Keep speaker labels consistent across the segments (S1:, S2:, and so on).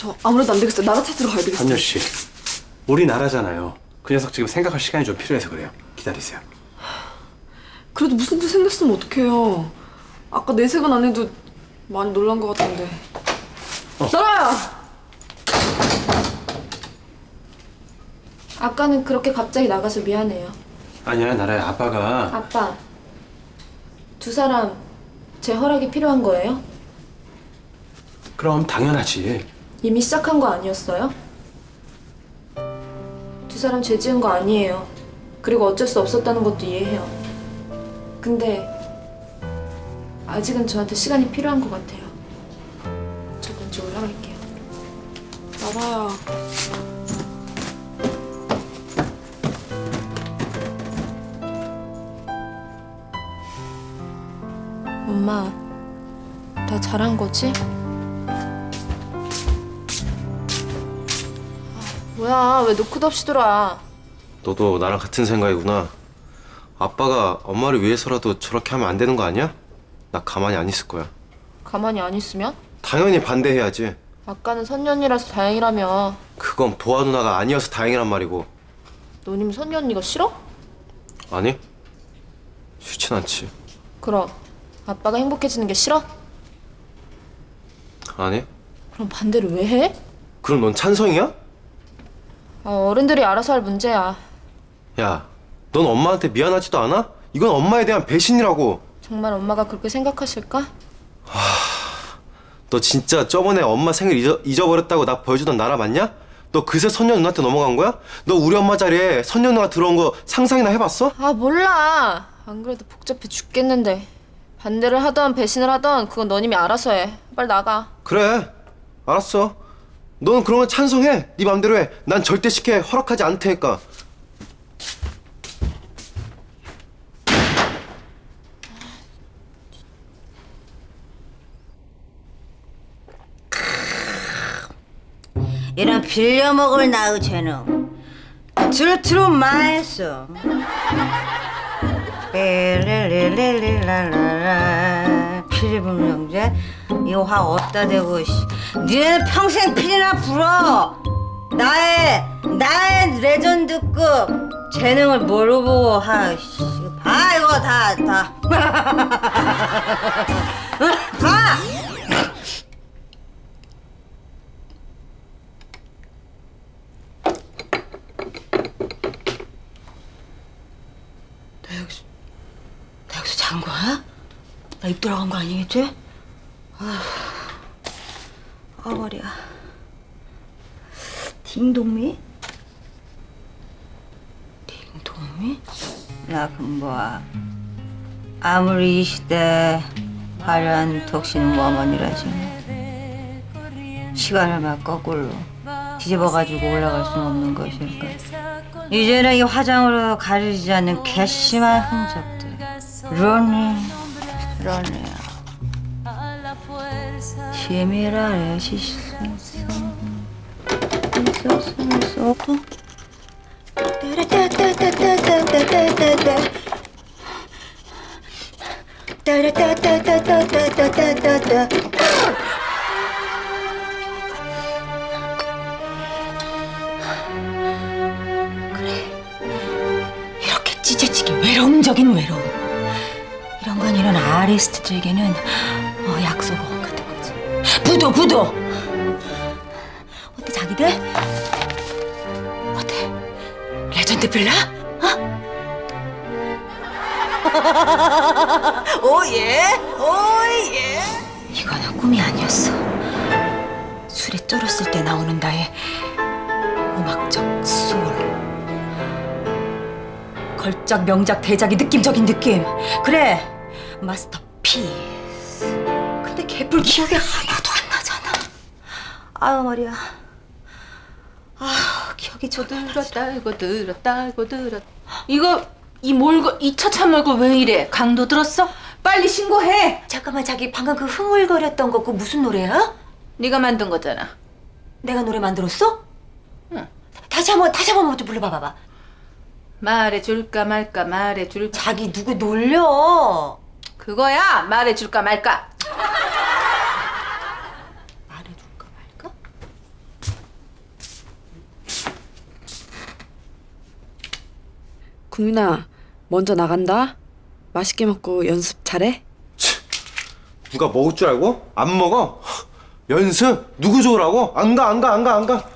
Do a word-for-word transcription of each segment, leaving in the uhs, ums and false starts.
S1: 저 아무래도 안 되겠어요. 나라 찾으러 가야 되겠어요.
S2: 한여 씨, 우리나라잖아요. 그 녀석 지금 생각할 시간이 좀 필요해서 그래요. 기다리세요.
S1: 그래도 무슨 일 생겼으면 어떡해요. 아까 내색은 안 해도 많이 놀란 것 같은데.
S2: 어.
S1: 나라야!
S3: 아까는 그렇게 갑자기 나가서 미안해요.
S2: 아니야, 나라야. 아빠가
S3: 아빠, 두 사람 제 허락이 필요한 거예요?
S2: 그럼 당연하지.
S3: 이미 시작한 거 아니었어요? 두 사람 죄 지은 거 아니에요. 그리고 어쩔 수 없었다는 것도 이해해요. 근데 아직은 저한테 시간이 필요한 것 같아요. 저 먼저 올라갈게요.
S1: 나라야.
S3: 엄마, 나 잘한 거지? 뭐야, 왜 노크도 없이 들어와?
S4: 너도 나랑 같은 생각이구나. 아빠가 엄마를 위해서라도 저렇게 하면 안 되는 거 아니야? 나 가만히 안 있을 거야.
S3: 가만히 안 있으면?
S4: 당연히 반대해야지.
S3: 아까는 선녀 언니라서 다행이라며.
S4: 그건 보아 누나가 아니어서 다행이란 말이고.
S3: 너님 선녀 언니가 싫어?
S4: 아니? 싫진 않지.
S3: 그럼 아빠가 행복해지는 게 싫어?
S4: 아니?
S3: 그럼 반대로 왜 해?
S4: 그럼 넌 찬성이야?
S3: 어, 어른들이 알아서 할 문제야.
S4: 야, 넌 엄마한테 미안하지도 않아? 이건 엄마에 대한 배신이라고.
S3: 정말 엄마가 그렇게 생각하실까?
S4: 너 진짜 저번에 엄마 생일 잊어, 잊어버렸다고 나 보여주던 나라 맞냐? 너 그새 선녀 누나한테 넘어간 거야? 너 우리 엄마 자리에 선녀 누나가 들어온 거 상상이나 해봤어?
S3: 아 몰라. 안 그래도 복잡해 죽겠는데. 반대를 하던 배신을 하던 그건 너님이 알아서 해. 빨리 나가.
S4: 그래, 알았어. 너는 그런 건 찬성해. 네 맘대로 해. 난 절대 쉽게 허락하지 않을 테니까.
S5: 이런 빌려먹을 나의 재능 트로트로 마했어. 릴릴릴릴랄랄라 피리불명제 이거 확 어디다 대고 씨. 니네는 평생 피리나 불어. 나의 나의 레전드급 재능을 뭐로 보고 하 씨. 이거 봐 이거 다다 응? 봐. 나 여기서 나 여기서 잔 거야? 나 입 돌아간 거 아니겠지? 아, 아 머리야. 딩동미? 딩동미? 나 금보아. 아무리 이 시대 화려한 덕신은 워먼이라지. 시간을 막 거꾸로 뒤집어가지고 올라갈 수는 없는 것일까. 이제는 이 화장으로 가리지 않는 괘씸한 흔적들. 러닝, 러닝. 치밀하게 시선. 쏘고. 따라따따따따따따따따. 따라따따따따따따따따. 이렇게 찢어지게 외로움적인 외로움. 이런 건 이런 아리스트들에게는 어, 약속어원 같은 거지. 부도 부도. 어때 자기들? 어때? 레전드 빌라? 어? 오예 오예. 이거는 꿈이 아니었어. 술에 쩔었을 때 나오는 나의 음악적 소울. 걸작 명작 대작의 느낌적인 느낌. 그래 마스터피스. 근데 개뿔 기억이 하나도 안 나잖아. 아유 머리야. 아 기억이 저
S6: 들었다 이거 들었다 이거 들었. 이거 이 몰고 이 차차 몰고 왜 이래? 강도 들었어? 빨리 신고해.
S5: 잠깐만 자기 방금 그 흥얼거렸던 거 그 무슨 노래야?
S6: 네가 만든 거잖아.
S5: 내가 노래 만들었어?
S6: 응.
S5: 다시 한번 다시 한번 좀 불러봐봐.
S6: 말해줄까 말까 말해줄까.
S5: 자기 누구 놀려?
S6: 그거야 말해줄까 말까.
S5: 말해줄까 말까?
S1: 국민아, 먼저 나간다. 맛있게 먹고 연습 잘해.
S4: 누가 먹을 줄 알고? 안 먹어? 연습? 누구 좋으라고? 안 가, 안 가, 안 가, 안 가.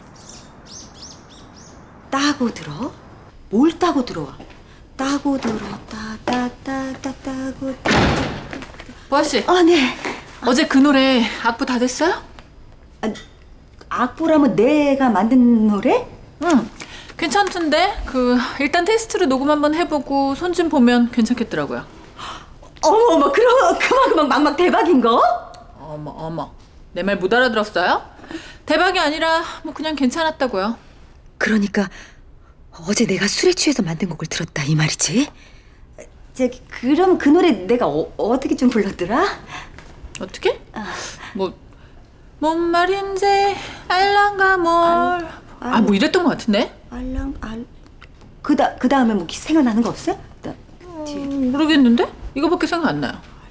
S5: 따고 들어? 뭘 따고 들어와? 따고 들어, 따, 따, 따, 따, 따고.
S6: 보아씨,
S5: 아, 네.
S6: 어제 그 노래 악보 다 됐어요?
S5: 아, 악보라면 내가 만든 노래?
S6: 응. 괜찮던데? 그 일단 테스트로 녹음 한번 해보고 손 좀 보면 괜찮겠더라고요.
S5: 어머, 어머, 그럼 그만, 막막 대박인 거?
S6: 어머 어머, 내 말 못 알아들었어요? 대박이 아니라 뭐 그냥 괜찮았다고요.
S5: 그러니까 어제 내가 술에 취해서 만든 곡을 들었다 이 말이지? 저기 그럼 그 노래 내가 어, 어떻게 좀 불렀더라?
S6: 어떻게? 뭐, 뭔 말인지 알랑가 뭘. 아, 뭐 이랬던 것 같은데?
S5: 알랑 알. 그다 그 다음에 뭐 생각나는 거 없어요? 나, 뒤에.
S6: 음, 모르겠는데? 이거밖에 생각 안 나요.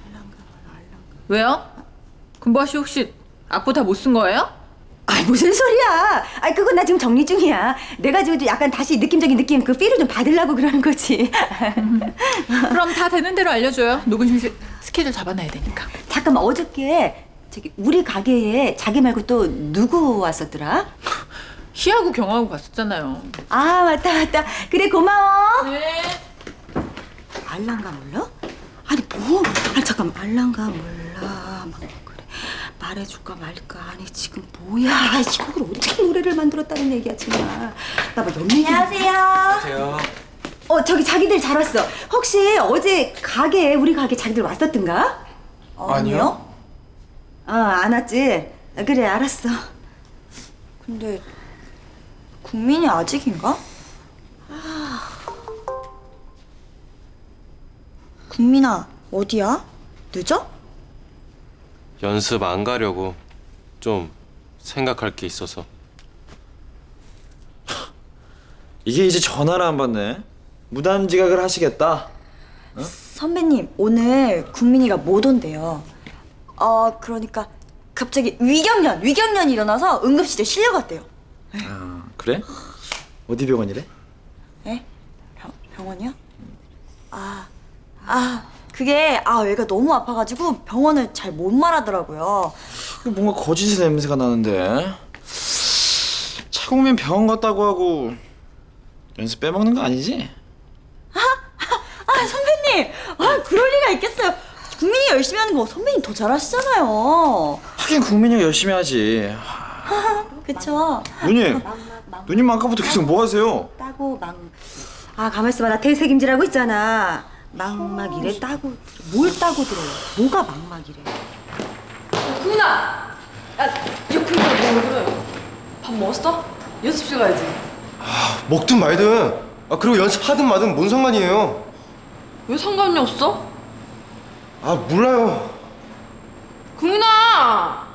S6: 왜요? 금보아 씨 혹시 악보 다 못 쓴 거예요?
S5: 아 무슨 소리야? 아 그건 나 지금 정리 중이야. 내가 지금 약간 다시 느낌적인 느낌 그 필을 좀 받으려고 그러는 거지.
S6: 그럼 다 되는 대로 알려줘요. 녹음 시- 스케줄 잡아놔야 되니까.
S5: 잠깐만 어저께 저기 우리 가게에 자기 말고 또 누구 왔었더라?
S6: 희하고 경하고 갔었잖아요.
S5: 아 맞다 맞다. 그래 고마워.
S6: 네.
S5: 알랑가 몰라? 아니 뭐? 아니 잠깐 알랑가 몰라. 막 그래 말해줄까 말까. 아니 지금 뭐야? 이걸 어떻게 노래를 만들었다는 얘기야 정말. 나봐 연예인. 안녕하세요.
S2: 안녕하세요.
S5: 어 저기 자기들 잘 왔어. 혹시 어제 가게 우리 가게 자기들 왔었던가?
S2: 아니요.
S5: 어안 왔지. 아, 그래 알았어.
S7: 근데 국민이 아직인가? 국민아 어디야? 늦어?
S4: 연습 안 가려고 좀 생각할 게 있어서.
S8: 이게 이제 전화를 안 받네. 무단 지각을 하시겠다.
S7: 선배님 오늘 국민이가 못 온대요. 어 그러니까 갑자기 위경련 위경련이 일어나서 응급실에 실려갔대요.
S8: 아, 그래? 어디 병원이래?
S7: 에? 병, 병원이요? 아, 아 그게 아 얘가 너무 아파가지고 병원을 잘 못 말하더라고요.
S8: 뭔가 거짓의 냄새가 나는데. 차국민 병원 갔다고 하고 연습 빼먹는 거 아니지?
S7: 아 선배님 아 그럴 리가 있겠어요. 국민이 열심히 하는 거 선배님 더 잘하시잖아요.
S8: 하긴 국민이 열심히 하지.
S7: 그쵸?
S8: 누님, 누님 아까부터 계속 뭐 하세요?
S5: 따고 막. 아 가만 있어봐 나 대책임질하고 있잖아. 막막이래 따고 뭘 따고 들어요? 뭐가 막막이래?
S1: 국민아! 야, 이거 국민아 뭐 그래? 밥 먹었어? 연습실 가야지.
S4: 먹든 말든. 아 그리고 연습하든 마든 뭔 상관이에요?
S1: 왜 상관이 없어?
S4: 아 몰라요.
S1: 국민아!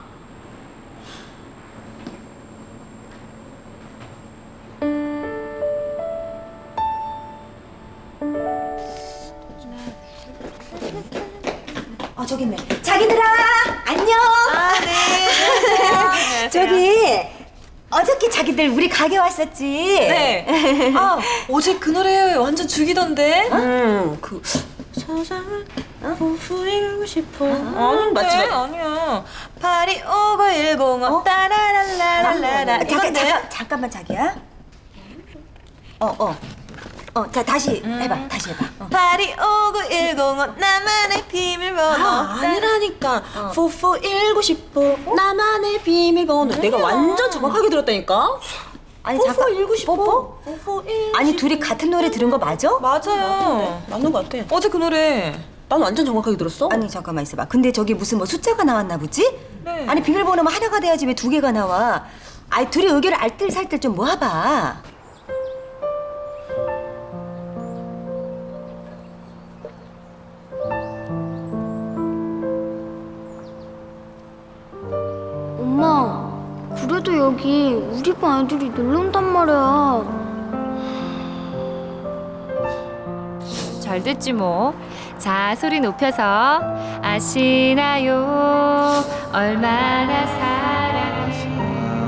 S5: 어 저기 있네. 자기들아 안녕.
S7: 아 네.
S5: 저기 어저께 자기들 우리 가게 왔었지.
S7: 네. 아 어제 그 노래 완전 죽이던데.
S5: 응.
S7: 그 세상을 후후이고 싶어. 아니
S5: 맞지, 맞지.
S7: 아니야. 파리 오구일공오 따라랄라랄라라.
S5: 잠깐
S7: 이건데.
S5: 잠깐 잠깐만 자기야. 어 어. 어, 자 다시 해봐. 다시 해봐. 어.
S7: 파리 오구일공오 나만의 비밀번호.
S5: 아,
S7: 아니라니까. 후후일고 싶어 나만의 비밀번호. 내가 완전 정확하게 들었다니까.
S5: 아니
S7: 후후 일고 싶어.
S5: 뽀뽀?
S7: 후후 일.
S5: 아니 둘이 같은 노래 들은 거 맞아?
S7: 맞아요. 맞는 것 같아. 어제 그 노래 난 완전 정확하게 들었어.
S5: 아니 잠깐만 있어봐. 근데 저기 무슨 뭐 숫자가 나왔나 보지?
S7: 네.
S5: 아니 비밀번호만 하나가 돼야지 왜 두 개가 나와? 아니 둘이 의견을 알뜰살뜰 좀 모아봐.
S9: 엄마, 그래도 여기 우리 반 애들이 놀러 온단 말이야.
S10: 잘 됐지 뭐. 자, 소리 높여서 아시나요? 얼마나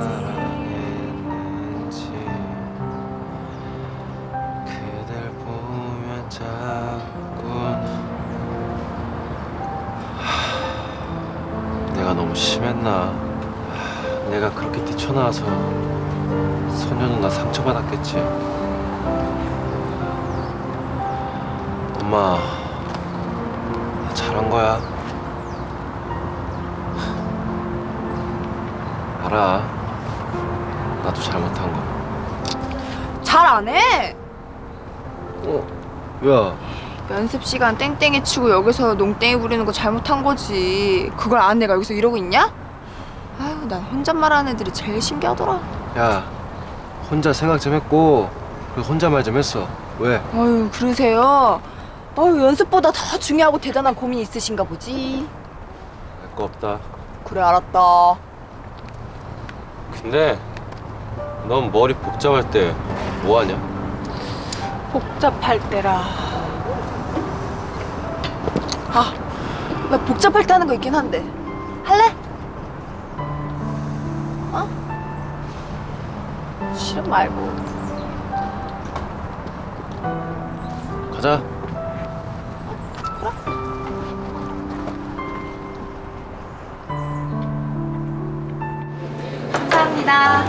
S10: 사랑하시는지.
S4: 그댈 보 내가 너무 심했나? 하, 내가 그렇게 뛰쳐나와서 선녀 누나 상처받았겠지. 엄마, 나 잘한 거야. 알아. 나도 잘못한 거.
S3: 잘 안 해.
S4: 어? 야,
S3: 연습 시간 땡땡이 치고 여기서 농땡이 부리는 거 잘못한 거지. 그걸 안 내가 여기서 이러고 있냐? 아유, 난 혼잣말하는 애들이 제일 신기하더라.
S4: 야, 혼자 생각 좀 했고 그리고 혼자 말 좀 했어. 왜?
S3: 아유, 그러세요? 아유, 연습보다 더 중요하고 대단한 고민이 있으신가 보지.
S4: 할 거 없다.
S3: 그래, 알았다.
S4: 근데 넌 머리 복잡할 때 뭐 하냐?
S3: 복잡할 때라. 아, 나 복잡할 때 하는 거 있긴 한데. 할래? 어? 싫음 말고.
S4: 가자.
S3: 감사합니다.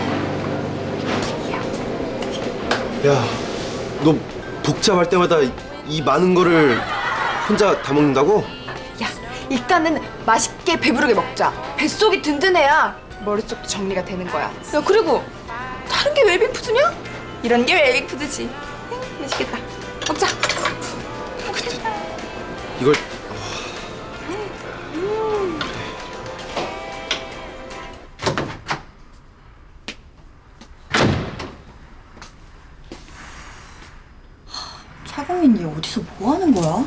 S4: 야, 너 복잡할 때마다 이, 이 많은 거를 혼자 다 먹는다고?
S3: 야, 일단은 맛있게 배부르게 먹자. 뱃속이 든든해야 머릿속도 정리가 되는 거야. 야, 그리고 다른 게 웰빙푸드냐? 이런 게 웰빙푸드지. 응, 맛있겠다. 먹자.
S4: 이걸
S7: 차공인 얘 어디서 뭐 하는 거야?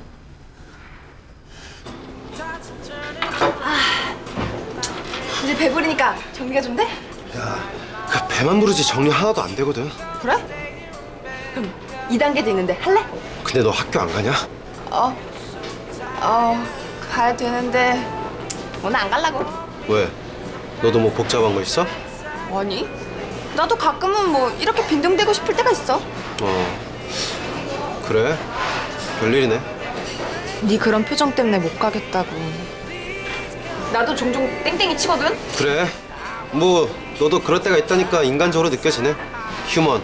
S3: 이제 배부르니까 정리가 좀 돼?
S4: 야, 그 배만 부르지 정리 하나도 안 되거든.
S3: 그래? 그럼 이 단계도 있는데 할래?
S4: 근데 너 학교 안 가냐?
S3: 어, 어, 가야 되는데 오늘 안 갈라고.
S4: 왜? 너도 뭐 복잡한 거 있어?
S3: 아니, 나도 가끔은 뭐 이렇게 빈둥대고 싶을 때가 있어.
S4: 어, 그래? 별일이네.
S3: 네 그런 표정 때문에 못 가겠다고. 나도 종종 땡땡이 치거든?
S4: 그래. 뭐 너도 그럴 때가 있다니까 인간적으로 느껴지네. 휴먼.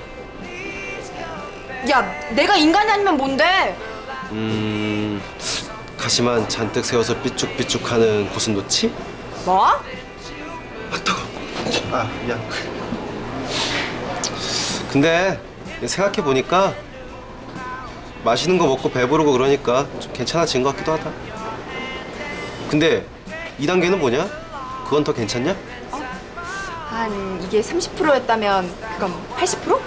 S3: 야, 내가 인간이 아니면 뭔데?
S4: 음... 가시만 잔뜩 세워서 삐쭉삐쭉하는 고슴도치?
S3: 뭐?
S4: 아, 뜨거. 아, 미안. 근데 생각해 보니까 맛있는 거 먹고 배부르고 그러니까 좀 괜찮아진 것 같기도 하다. 근데 이 단계는 뭐냐? 그건 더 괜찮냐?
S3: 한 이게 삼십 퍼센트였다면 그건 팔십 퍼센트?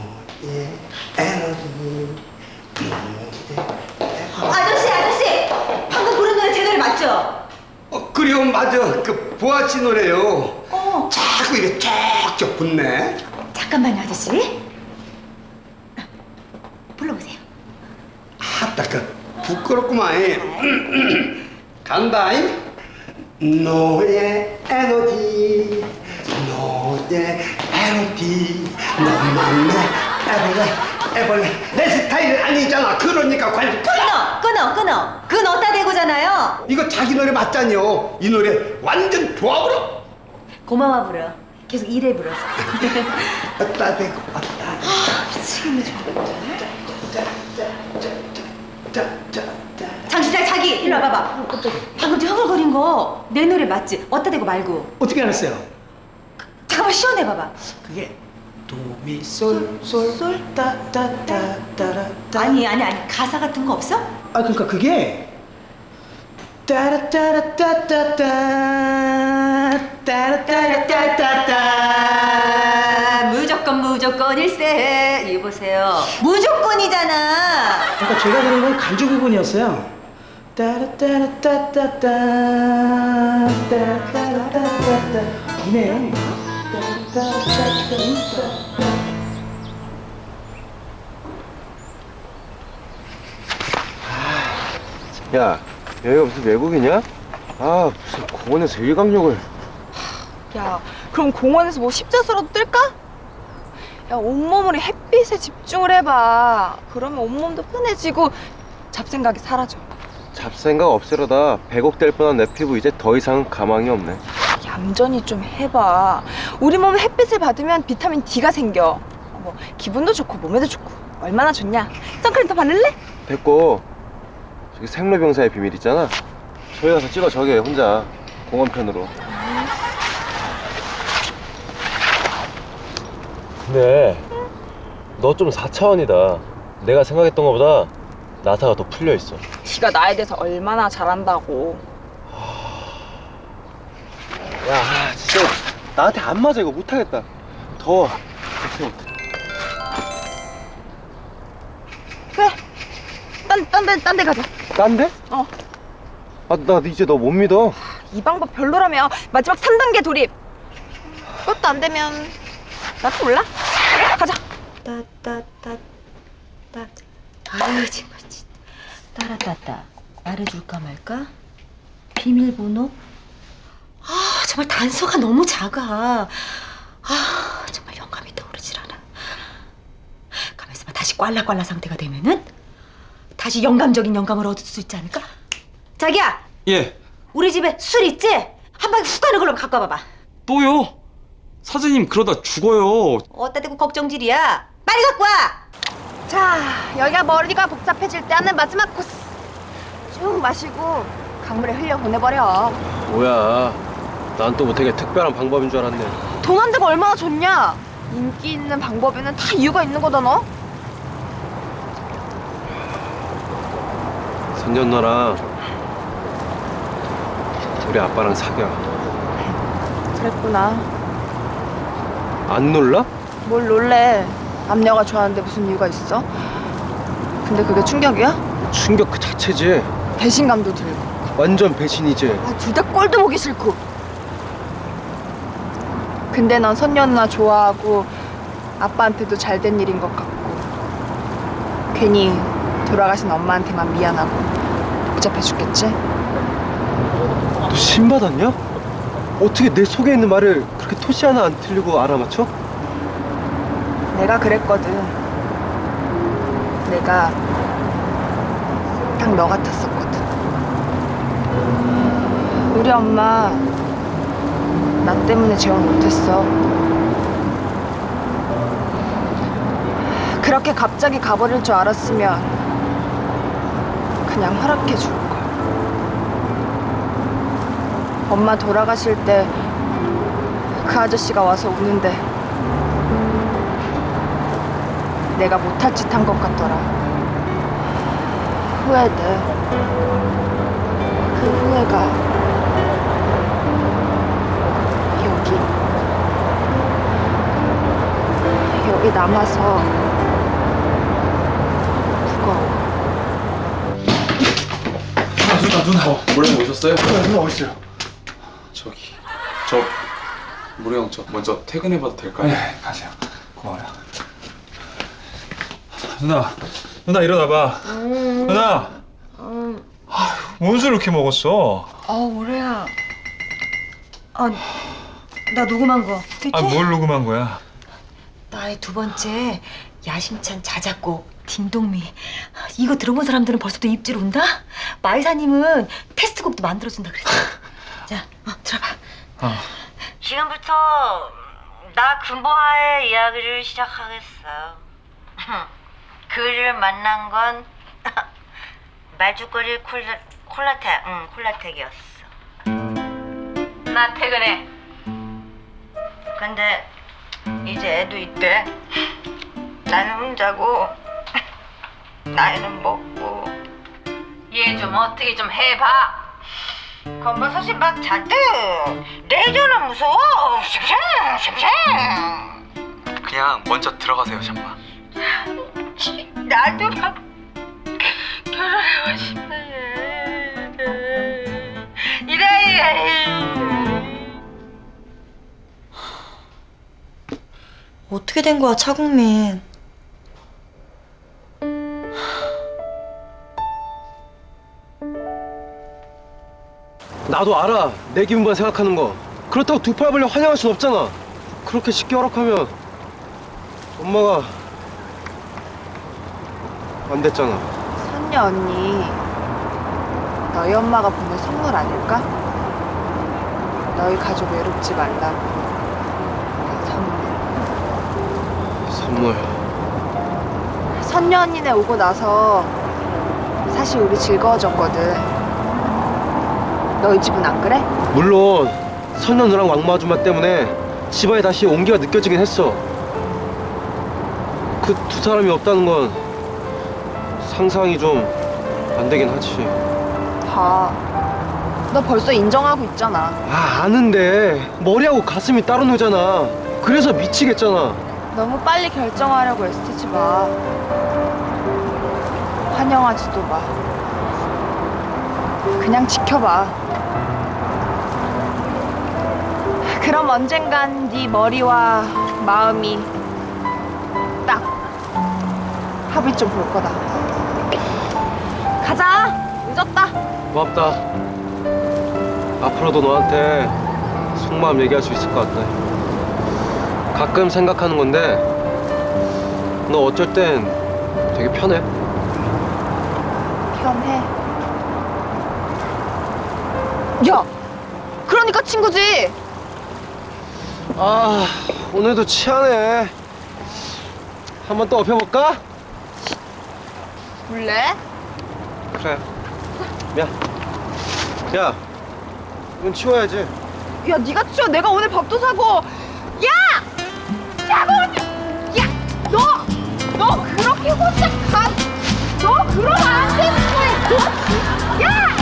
S5: 아저씨 아저씨 방금 부른 노래 제 노래 맞죠?
S11: 어, 그래요, 맞아. 그 보아씨 노래요.
S5: 어.
S11: 자꾸 이래 쫙쫙 붙네.
S5: 잠깐만요 아저씨 불러보세요.
S11: 아따, 그 부끄럽구만. 간다잉. 너의 에너지, 너의 에너지, 너만 내 애벌레, 애벌레. 내 스타일 아니잖아. 그러니까 관심.
S5: 끊어 끊어 끊어 그건 어따 대고잖아요.
S11: 이거 자기 노래 맞잖요. 이 노래 완전 좋아 불어.
S5: 고마워 불어 계속 이래 불어.
S11: 어따 대고 어따.
S5: 미치겠네 장시장 자기 일로 와봐봐. 방금 저 허글거린 거 내 노래 맞지? 어따 대고 말고.
S11: 어떻게 알았어요?
S5: 잠깐만 시원해봐봐.
S11: 그게 도미솔솔따따따따라.
S5: 아니 아니 아니 가사 같은 거 없어?
S11: 아, 그러니까 그게 따라따라따따따 따라따라따따따.
S5: 무조건 무조건 일세. 이거 보세요 무조건이잖아.
S11: 그러니까 제가 들은 건 간주 부분이었어요. 따라따라따따따 따라따라따따따. 이네요. 따라따라따따따.
S4: 야, 여기가 무슨 외국이냐? 아, 무슨 공원에서 일광욕을.
S3: 야, 그럼 공원에서 뭐 십자수라도 뜰까? 야, 온몸으로 햇빛에 집중을 해봐. 그러면 온몸도 편해지고 잡생각이 사라져.
S4: 잡생각 없애려다 백억 될 뻔한 내 피부 이제 더 이상 가망이 없네.
S3: 얌전히 좀 해봐. 우리 몸 햇빛을 받으면 비타민 D가 생겨. 뭐 기분도 좋고 몸에도 좋고 얼마나 좋냐. 선크림 더 바를래?
S4: 됐고 저기 생로병사의 비밀 있잖아. 저기 가서 찍어 저기 혼자 공원편으로. 근데 너 좀 사 차원이다. 내가 생각했던 것보다 나사가 더 풀려 있어.
S3: 네가 나에 대해서 얼마나 잘한다고.
S4: 야, 진짜 나한테 안 맞아. 이거 못하겠다. 더워. 못해 못해.
S3: 그래. 딴, 딴 데, 딴 데 가자.
S4: 딴 데?
S3: 어.
S4: 아, 나 이제 너 못 믿어.
S3: 이 방법 별로라며. 마지막 삼 단계 돌입. 그것도 안 되면 나도 몰라. 가자.
S5: 따따따따. 아유 정말 진짜. 따라따따. 말해줄까 말까? 비밀번호? 아 정말 단서가 너무 작아. 아 정말 영감이 떠오르질 않아. 가만있어봐. 다시 꽐라꽐라 상태가 되면은 다시 영감적인 영감을 얻을 수 있지 않을까? 자기야.
S8: 예.
S5: 우리 집에 술 있지? 한 방에 훅 가는 걸로 갖고 와봐봐.
S8: 또요? 사장님 그러다 죽어요.
S5: 어따 대고 걱정질이야. 빨리 갖고 와.
S3: 자, 여기가 머리가 복잡해질 때 하는 마지막 코스. 쭉 마시고 강물에 흘려 보내버려.
S4: 뭐야? 난 또 뭐 되게 특별한 방법인 줄 알았네.
S3: 돈 한 대가 얼마나 좋냐? 인기 있는 방법에는 다 이유가 있는 거다 너.
S4: 선전 너랑 우리 아빠랑 사겨.
S3: 그랬구나.
S4: 안 놀라?
S3: 뭘 놀래? 남녀가 좋아하는데 무슨 이유가 있어? 근데 그게 충격이야?
S4: 충격 그 자체지.
S3: 배신감도 들고.
S4: 완전 배신이지.
S3: 아, 둘 다 꼴도 보기 싫고. 근데 넌 선녀 누나 좋아하고 아빠한테도 잘 된 일인 것 같고 괜히 돌아가신 엄마한테만 미안하고 복잡해 죽겠지?
S4: 너 신받았냐? 어떻게 내 속에 있는 말을 그렇게 토시 하나 안 틀리고 알아맞혀?
S3: 내가 그랬거든. 내가 딱 너 같았었거든. 우리 엄마 나 때문에 재혼 못했어. 그렇게 갑자기 가버릴 줄 알았으면 그냥 허락해 줄 걸. 엄마 돌아가실 때 그 아저씨가 와서 우는데 내가 못할 짓 한 것 같더라. 후회돼. 그 후회가 여기 여기 남아서 무거워.
S2: 누나 누나 어, 몰래 오셨어요?
S4: 누나 누나 어딨어요?
S2: 저기 저 모래 형 저 먼저 퇴근해봐도 될까요?
S8: 네 가세요. 고마워요. 누나 누나 일어나봐.
S5: 음.
S8: 누나.
S5: 음.
S8: 뭔 술 이렇게 먹었어?
S5: 아 오래야. 아 나 녹음한 거 듣지?
S8: 아 뭘 녹음한 거야?
S5: 나의 두 번째 야심찬 자작곡 딩동미. 이거 들어본 사람들은 벌써부터 입질 온다? 마이사님은 테스트곡도 만들어준다 그랬어. 자, 어, 들어봐.
S8: 어.
S5: 지금부터 나 금보화의 이야기를 시작하겠어. 그를 만난 건 말죽거리 콜라, 콜라텍, 응, 콜라텍이었어. 나 퇴근해. 근데 이제 애도 있대. 나는 혼자고 나이는 먹고. 얘 좀 어떻게 좀 해봐. 건버섯이 막 잔뜩. 레이저는 무서워. 샹샹 샹샹.
S8: 그냥 먼저 들어가세요 샴파.
S5: 나도 막 결혼하고 싶어. 이래.
S7: 어떻게 된 거야, 차국민?
S4: 나도 알아. 내 기분만 생각하는 거. 그렇다고 두 팔 벌려 환영할 순 없잖아. 그렇게 쉽게 허락하면 엄마가 안 됐잖아.
S3: 선녀 언니 너희 엄마가 보낸 선물 아닐까? 너희 가족 외롭지 말라고 선물.
S4: 선물.
S3: 선녀 언니네 오고 나서 사실 우리 즐거워졌거든. 너희 집은 안 그래?
S4: 물론 선녀 누랑 왕마 아줌마 때문에 집안에 다시 온기가 느껴지긴 했어. 그 두 사람이 없다는 건 상상이 좀 안 되긴 하지.
S3: 봐. 너 벌써 인정하고 있잖아.
S4: 아, 아는데 머리하고 가슴이 따로 노잖아. 그래서 미치겠잖아.
S3: 너무 빨리 결정하려고 애쓰지 마. 환영하지도 마. 그냥 지켜봐. 그럼 언젠간 네 머리와 마음이 딱 합의 좀 볼 거다. 가자. 늦었다.
S4: 고맙다. 앞으로도 너한테 속마음 얘기할 수 있을 것 같아. 가끔 생각하는 건데 너 어쩔 땐 되게 편해.
S3: 편해. 야, 그러니까 친구지.
S4: 아, 오늘도 취하네. 한번 또 업혀볼까?
S3: 볼래?
S4: 그래. 야, 야, 이건 치워야지.
S3: 야, 네가 치워. 내가 오늘 밥도 사고. 야! 야, 너 오늘. 야, 너, 너 그렇게 혼자 가. 너 그러면 안 되는 거야. 너, 야!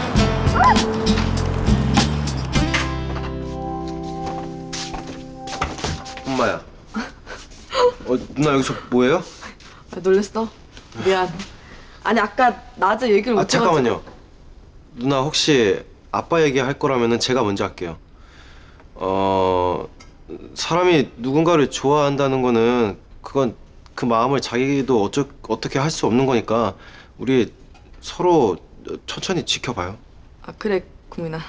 S4: 엄마야. 어, 누나 여기서 뭐해요?
S1: 아, 놀랬어? 미안. 아니 아까 낮에 얘기를
S4: 아,
S1: 못해가지고.
S4: 잠깐만요. 누나 혹시 아빠 얘기할 거라면은 제가 먼저 할게요. 어, 사람이 누군가를 좋아한다는 거는 그건 그 마음을 자기도 어쩌, 어떻게 할 수 없는 거니까 우리 서로 천천히 지켜봐요.
S1: 아 그래 국민아.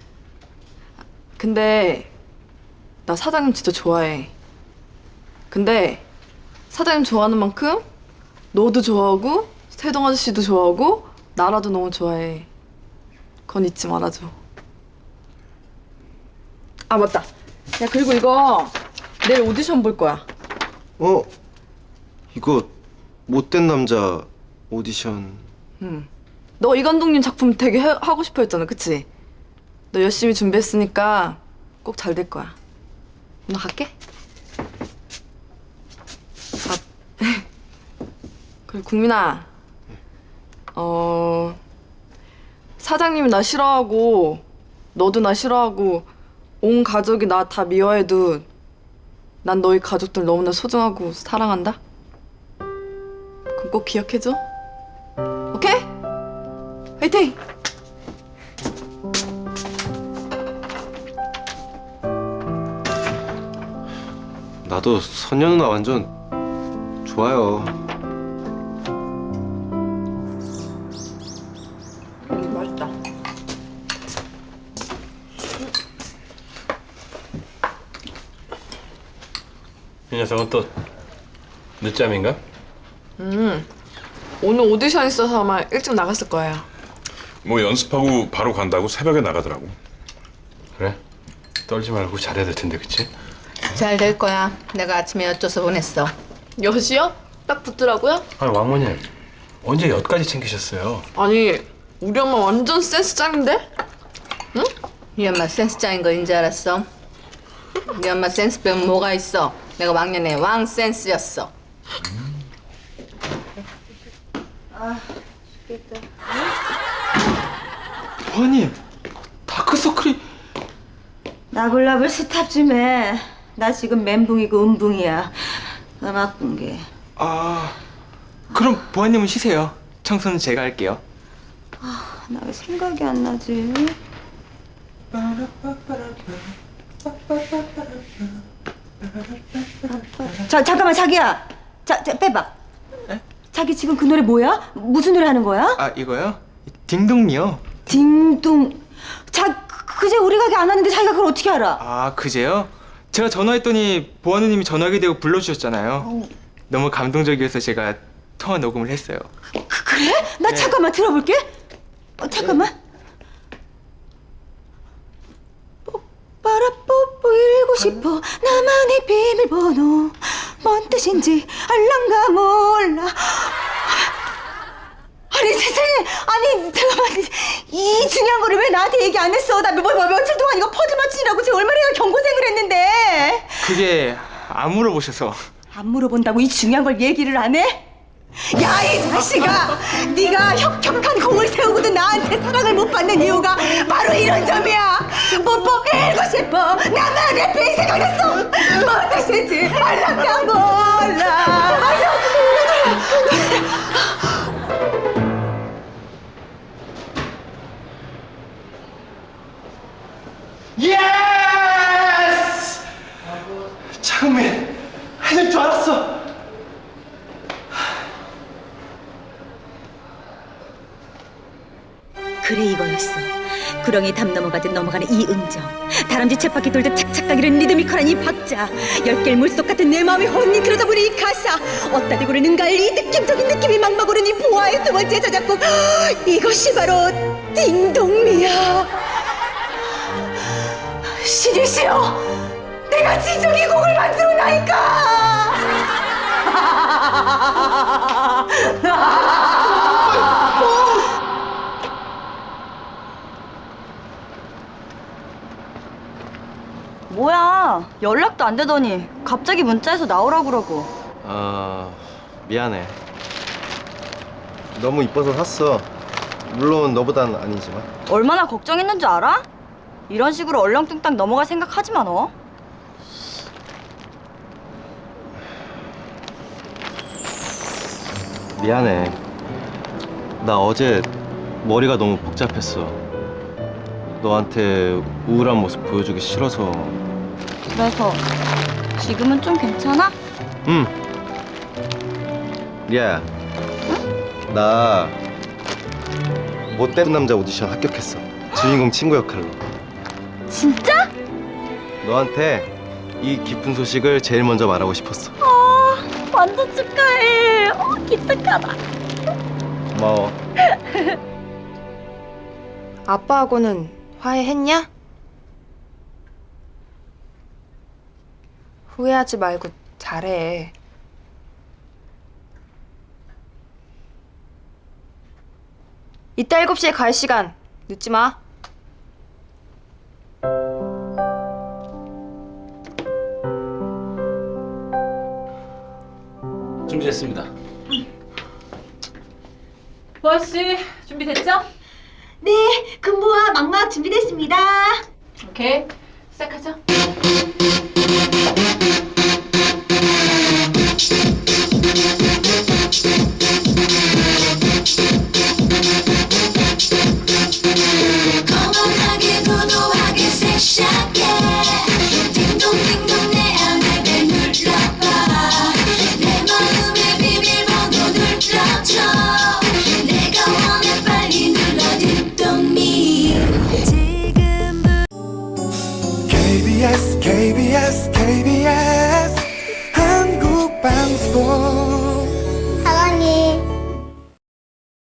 S1: 근데 나 사장님 진짜 좋아해. 근데 사장님 좋아하는 만큼 너도 좋아하고 세동 아저씨도 좋아하고 나라도 너무 좋아해. 그건 잊지 말아줘. 아 맞다. 야 그리고 이거 내일 오디션 볼 거야.
S4: 어? 이거 못된 남자 오디션.
S1: 응. 너 이 감독님 작품 되게 해, 하고 싶어 했잖아, 그치? 너 열심히 준비했으니까 꼭 잘 될 거야. 나 갈게. 아, 그래 국민아. 어 사장님이 나 싫어하고 너도 나 싫어하고 온 가족이 나 다 미워해도 난 너희 가족들 너무나 소중하고 사랑한다. 그럼 꼭 기억해줘. 오케이? 화이팅!
S4: 나도 선녀 누나 완전 좋아요.
S1: 음, 맛있다.
S2: 이 녀석은 또 늦잠인가?
S1: 음, 오늘 오디션 있어서 아마 일찍 나갔을 거예요.
S12: 뭐 연습하고 바로 간다고 새벽에 나가더라고.
S2: 그래? 떨지 말고 잘해야 될 텐데, 그치?
S6: 잘 될 거야. 내가 아침에 여쭤서 보냈어.
S1: 여시요? 딱 붙더라고요?
S2: 아니 왕모님 언제 엿까지 챙기셨어요?
S1: 아니, 우리 엄마 완전 센스 짱인데? 응?
S6: 네 엄마 센스 짱인 거 인지 알았어? 네 엄마 센스 빼면 뭐가 있어? 내가 왕년에 왕 센스였어.
S11: 부모님, 다크서클이.
S5: 나골라볼 스탑 좀 해. 나 지금 멘붕이고 음붕이야. 음악 공개.
S11: 아, 그럼 부모님은 쉬세요. 청소는 제가 할게요.
S5: 나 왜 생각이 안 나지? 자, 잠깐만 자기야. 자, 자 빼봐.
S11: 에?
S5: 자기 지금 그 노래 뭐야? 무슨 노래 하는 거야?
S11: 아, 이거요? 딩동이요.
S5: 딩동. 자, 그- 그제 우리 가게 안 왔는데 자기가 그걸 어떻게 알아?
S11: 아, 그제요? 제가 전화했더니 보아누님이 전화기 대고 불러주셨잖아요. 너무 감동적이어서 제가 통화 녹음을 했어요.
S5: 그, 그래? 나
S11: 네.
S5: 잠깐만 들어볼게.
S7: 어, 잠깐만. 뽀빠라 뽀뽀 읽고 싶어 나만의 비밀번호 뭔 뜻인지 알랑가 몰라. 아니 세상에, 아니 잠깐만, 이 중요한 거를 왜 나한테 얘기 안 했어? 나 뭐, 뭐, 며칠 동안 이거 퍼즐 맞추느라고 지금 얼마나 경고생을 했는데.
S11: 그게 안 물어보셔서.
S7: 안 물어본다고 이 중요한 걸 얘기를 안 해? 야, 이 자식아! 네가 혁혁한 공을 세우고도 나한테 사랑을 못 받는 이유가 바로 이런 점이야. 뽀뽀 읽고 싶어 나만의 비 생각났어. 뭔 뜻인지 알랑가 몰라. 아유,
S2: 예스! 장민, 해낼 줄 알았어.
S7: 그래, 이거였어. 구렁이 담 넘어가듯 넘어가는 이 음정, 다람쥐 쳇바퀴 돌듯 착착 가기는 리드미컬한 이 박자, 열 개의 물속 같은 내 마음이 혼이 들어다 보는 이 가사, 어따 대고를 능가할 이 느낌적인 느낌이 막막 오른 이 보아의 두 번째 저작곡, 이것이 바로 딩동미야. 신이시여, 내가 진정 이 곡을 만들어나니까. 뭐야, 연락도 안 되더니 갑자기 문자해서 나오라고 그러고.
S4: 아, 미안해. 너무 이뻐서 샀어. 물론 너보단 아니지만.
S7: 얼마나 걱정했는지 알아? 이런 식으로 얼렁뚱땅 넘어갈 생각 하지 마, 너.
S4: 미안해. 나 어제 머리가 너무 복잡했어. 너한테 우울한 모습 보여주기 싫어서.
S7: 그래서 지금은 좀 괜찮아?
S4: 응. 리아야. 나 못된 남자 오디션 합격했어. 주인공 친구 역할로.
S7: 진짜?
S4: 너한테 이 기쁜 소식을 제일 먼저 말하고 싶었어.
S7: 아, 완전 축하해. 어, 기특하다.
S4: 고마워.
S3: 아빠하고는 화해했냐? 후회하지 말고 잘해. 이따 일곱 시에 갈 시간 늦지 마.
S2: 준비됐습니다.
S6: 보아씨 준비됐죠?
S7: 네, 근무와 막막 준비됐습니다.
S6: 오케이 시작하죠.